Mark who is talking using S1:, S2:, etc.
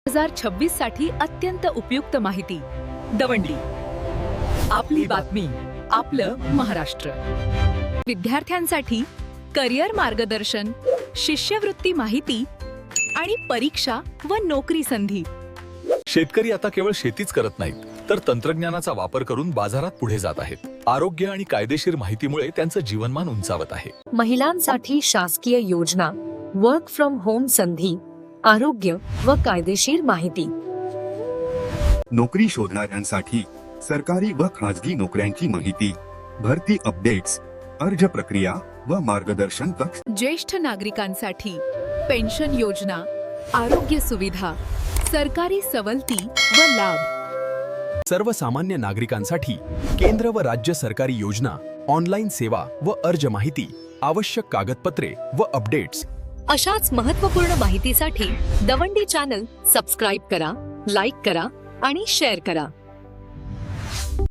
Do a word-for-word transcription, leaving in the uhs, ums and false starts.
S1: हजार छब्बीस साठी अत्यंत उपयुक्त माहिती. दवंडी, आपली बातमी, आपलं महाराष्ट्र. विद्यार्थ्यांसाठी करिअर मार्गदर्शन, शिष्यवृत्ती माहिती आणि परीक्षा व नोकरी संधी.
S2: शेतकरी आता केवळ शेतीच करत नाहीत, तर तंत्रज्ञानाचा वापर करून बाजारात पुढे जात आहेत. आरोग्य आणि कायदेशीर माहितीमुळे त्यांचं जीवनमान उंचावत आहे.
S3: महिलांसाठी शासकीय योजना, वर्क फ्रॉम होम संधी, आरोग्य व कायदेशीर माहिती.
S4: नोकरी शोधणाऱ्यांसाठी सरकारी व खाजगी नोकऱ्यांची माहिती, भरती अपडेट्स, अर्ज प्रक्रिया व मार्गदर्शन कक्ष.
S1: ज्येष्ठ नागरिकांसाठी पेन्शन योजना, आरोग्य सुविधा, सरकारी सवलती व लाभ.
S5: सर्वसामान्य नागरिकांसाठी केंद्र व राज्य सरकारी योजना, ऑनलाईन सेवा व अर्ज माहिती, आवश्यक कागदपत्रे व अपडेट्स.
S3: अशाच महत्त्वपूर्ण माहितीसाठी दवंडी चॅनल सबस्क्राईब करा, लाईक करा आणि शेअर करा.